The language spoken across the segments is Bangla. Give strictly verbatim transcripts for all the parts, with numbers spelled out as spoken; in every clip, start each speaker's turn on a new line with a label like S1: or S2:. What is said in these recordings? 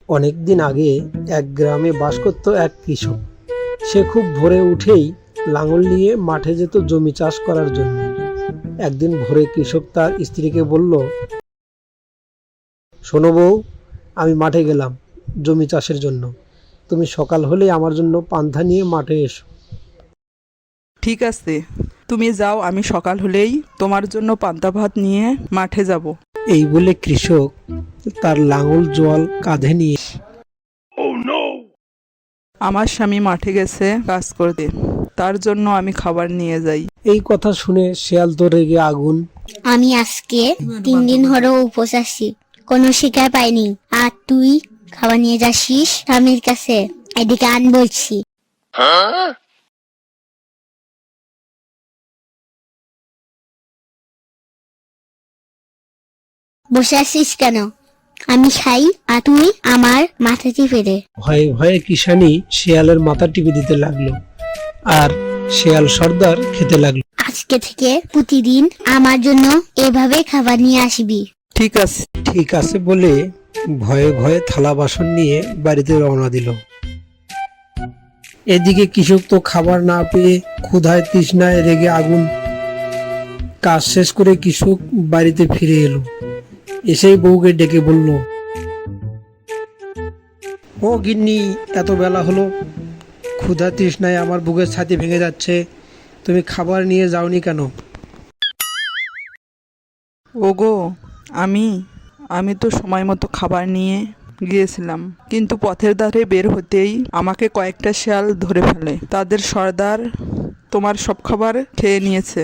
S1: অনেকদিন আগে এক গ্রামে বাস করত এক কৃষক। সে খুব ভোরে উঠেই লাঙল নিয়ে মাঠে যেত জমি চাষ করার জন্য। একদিন ভোরে কৃষক তার স্ত্রীকে বলল, শোনো বউ, আমি মাঠে গেলাম জমি চাষের জন্য, তুমি সকাল হলেই আমার জন্য পান্তা নিয়ে মাঠে এসো।
S2: ঠিক আছে, তুমি যাও, আমি সকাল হলেই তোমার জন্য পান্তা ভাত নিয়ে মাঠে যাব।
S1: এই বলে কৃষক তার লাঙল জল কাঁধে নিয়ে
S2: আমার স্বামী মাঠে গেছে কাজ করতে, তার জন্য আমি খাবার নিয়ে যাই।
S1: এই কথা শুনে শেয়াল তো রেগে আগুন।
S3: আমি আজকে তিন দিন হলো উপোস আছি, কোনো শিকার পাইনি, আর তুই খাবার নিয়ে যাচ্ছিস স্বামীর কাছে। এদিকে আন বলছি। বসে আছিস কেন? আমি খাই আর তুই আমার মাথা টিপে দে।
S1: ভয়ে ভয়ে কিষানি শেয়ালের মাথা টিপে দিতে লাগলো, আর শেয়াল সর্দার খেতে লাগলো।
S3: আজকে থেকে প্রতিদিন আমার জন্য এভাবে খাবার নিয়ে আসবি।
S2: ঠিক আছে।
S1: ঠিক আছে বলে ভয়ে ভয়ে থালা বাসন নিয়ে বাড়িতে রওনা দিল। এদিকে কৃষক তো খাবার না পেয়ে ক্ষুধায় তৃষ্ণায় রেগে আগুন। কাজ শেষ করে কৃষক বাড়িতে ফিরে এলো। এসেই বউকে ডেকে বলল, ও গিন্নি, এত বেলা হলো, ক্ষুধা তৃষ্ণায় আমার বুকের ছাতি ভেঙে যাচ্ছে, তুমি খাবার নিয়ে যাওনি কেন?
S2: ওগো, আমি আমি তো সময় মতো খাবার নিয়ে গিয়েছিলাম, কিন্তু পথের ধারে বের হতেই আমাকে কয়েকটা শেয়াল ধরে ফেলে। তাদের সর্দার তোমার সব খাবার খেয়ে নিয়েছে।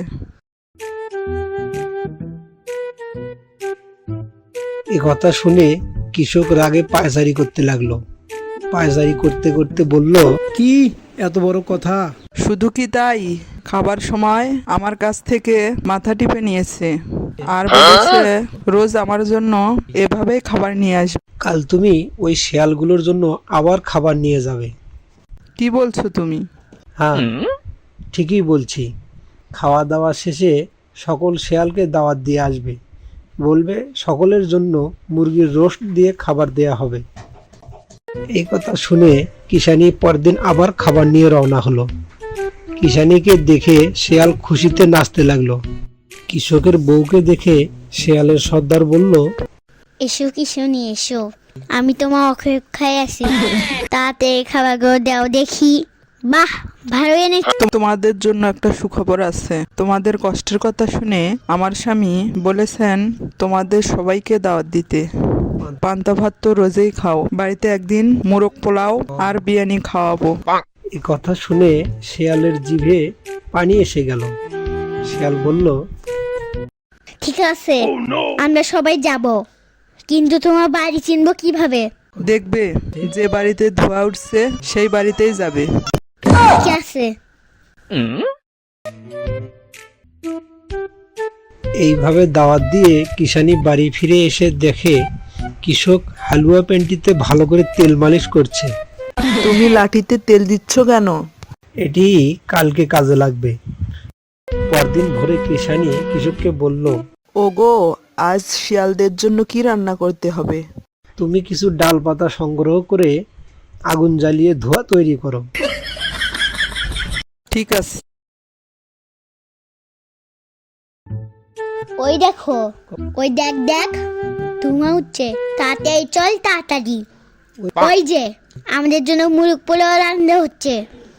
S1: এ কথা শুনে কৃষক রাগে পায়চারি করতে লাগলো। পায়চারি করতে করতে বলল, কি এত বড় কথা?
S2: শুধু কি তাই, খাবার সময় আমার কাছ থেকে মাথা টিপে নিয়েছে আর বলেছে রোজ আমার জন্য এভাবেই খাবার নিয়ে আসবে।
S1: কাল তুমি ওই শেয়ালগুলোর জন্য আবার খাবার নিয়ে যাবে।
S2: কি বলছো তুমি?
S1: হ্যাঁ, ঠিকই বলছি। খাওয়া দাওয়া শেষে সকল শেয়ালকে দাওয়াত দিয়ে আসবে, বলবে সকলের জন্য মুরগির রোস্ট দিয়ে খাবার দেয়া হবে। এই কথা শুনে কিষানি পরদিন আবার খাবার নিয়ে রওনা হলো। কিষানিকে দেখে শেয়াল খুশিতে নাচতে লাগলো। কৃষকের বউকে দেখে শেয়ালের সর্দার বলল,
S3: এসো কিশোনি এসো, আমি তোমার অপেক্ষায় আছি, তাতে খাবারগুলো দাও দেখি। বাহ, ভালো এনেছো।
S2: তোমাদের জন্য একটা সুখবর আছে। তোমাদের কষ্টের কথা শুনে আমার স্বামী বলেছেন তোমাদের সবাইকে দাওয়াত দিতে। পান্তা ভাত তো রোজই খাও, বাড়িতে একদিন মোরগ পোলাও আর বিরিয়ানি খাওয়াবো।
S1: এই কথা শুনে শেয়ালের জিভে পানি এসে গেল। শেয়াল বলল,
S3: ঠিক আছে, আমরা সবাই যাব, কিন্তু তোমার বাড়ি চিনবো কিভাবে?
S2: দেখবে যে বাড়িতে ধোঁয়া উঠছে সেই বাড়িতেই যাবে।
S3: ঠিক আছে।
S1: এইভাবে দাওয়াত দিয়ে কিষানি বাড়ি ফিরে এসে দেখে কৃষক হালুয়া প্যান্টিতে ভালো করে তেল মালিশ করছে।
S2: তুমি লাঠিতে তেল দিচ্ছ কেন?
S1: এটি কালকে কাজে লাগবে। পরদিন ভোরে কিষানি কৃষককে বলল,
S2: ওগো, আজ শিয়ালদের জন্য কি রান্না করতে হবে?
S1: তুমি কিছু ডাল পাতা সংগ্রহ করে আগুন জ্বালিয়ে ধোঁয়া তৈরি করো।
S2: ঠিক আছে।
S3: ওই দেখো, ওই দেখ দেখ, ধোঁয়া উঠছে, তাড়াতাড়ি চল তাড়াতাড়ি। ওই যে আমাদের জন্য মুরগ পোলাও রান্না হচ্ছে।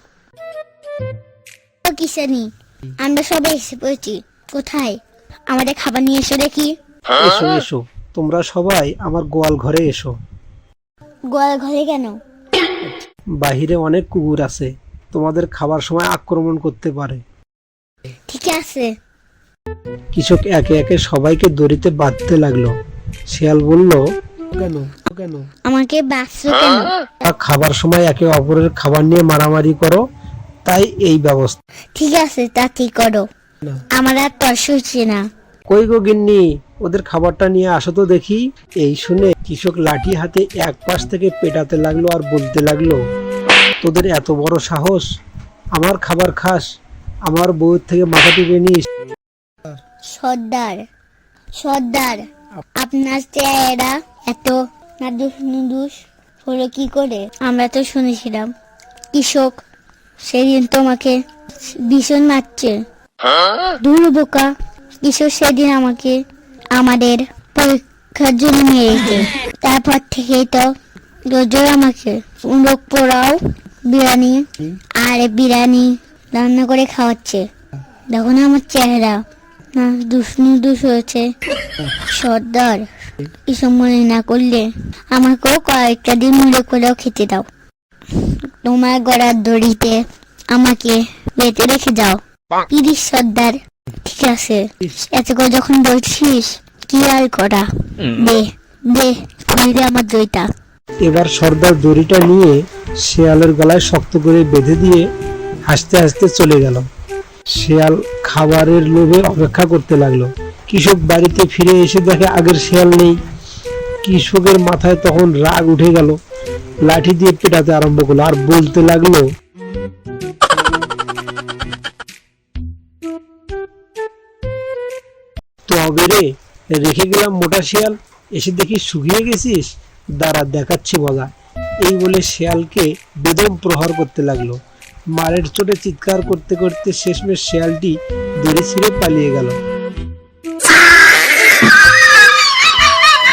S3: ও কিষানি, আমরা সবাই এসে পড়েছি। কোথায়? আমাদের খাবার নিয়ে এসো দেখি।
S1: এসো এসো, তোমরা সবাই আমার গোয়াল ঘরে এসো।
S3: গোয়াল ঘরে কেন?
S1: বাহিরে অনেক কুকুর আছে, তোমাদের খাবার সময় আক্রমণ করতে পারে।
S3: ঠিক আছে।
S1: কৃষক একে একে সবাইকে দড়িতে বাঁধতে লাগলো। শিয়াল বলল, কেন কেন
S3: আমাকে বাঁচছো কেন?
S1: খাবার সময় একে অপরের খাবার নিয়ে মারামারি করো, তাই এই ব্যবস্থা।
S3: ঠিক আছে, তা ঠিক করো, আমার আর তর্স হচ্ছে না।
S1: কই গো গিন্নি, ওদের খাবারটা নিয়ে আসো তো দেখি। এই শুনে কৃষক লাঠি হাতে এক পাশ থেকে পেটাতে লাগলো আর বলতে লাগলো, তোদের এত বড় সাহস, আমার খাবার খাস, আমার বউয়ের থেকে মাথা টিপে নিস।
S3: সর্দার সর্দার আপনার চেহারা এত নাদুস নুদুস হলো কি করে? আমরা তো শুনেছিলাম কৃষক সেদিন তোমাকে ভীষণ মারছে। দূর বোকা, কৃষক সেদিন আমাকে আমাদের পরীক্ষার জন্য মেরেছে। তারপর থেকেই তো রোজ আমাকে মুরগ পোড়াও, বিরিয়ানি আর বিরিয়ানি রান্না করে খাওয়াচ্ছে। দেখো না আমার চেহারা, না দুষ দুষ হয়েছে। সর্দার, এসব মনে না করলে আমাকেও কয়েকটা দিন মনে করেও খেতে দাও। তোমার গড়ার দড়িতে আমাকে বেঁধে রেখে যাও। ইরিশ সর্দার, ঠিক আছে, এত করে যখন বলছিস কি আর করা, দে দে খুলে আমার দইটা।
S1: এবার সর্দার দড়িটা নিয়ে শেয়ালের গলায় শক্ত করে বেঁধে দিয়ে হাসতে হাসতে চলে গেল। শেয়াল খাবারের লোভে অপেক্ষা করতে লাগলো। কৃষক বাড়িতে ফিরে এসে দেখে আগের শেয়াল নেই। কৃষকের মাথায় তখন রাগ উঠে গেল, লাঠি দিয়ে পেটাতে আরম্ভ করলো আর বলতে লাগলো, তবে রে, রেখে গেলাম মোটা শেয়াল, এসে দেখি শুকিয়ে গেছিস, দাঁড়া দেখাচ্ছি মজা। এই বলে শেয়ালকে বেদম প্রহার করতে লাগলো। মারের চোটে চিৎকার করতে করতে শেষমেশ শেয়ালটি দড়ি ছিঁড়ে পালিয়ে গেল।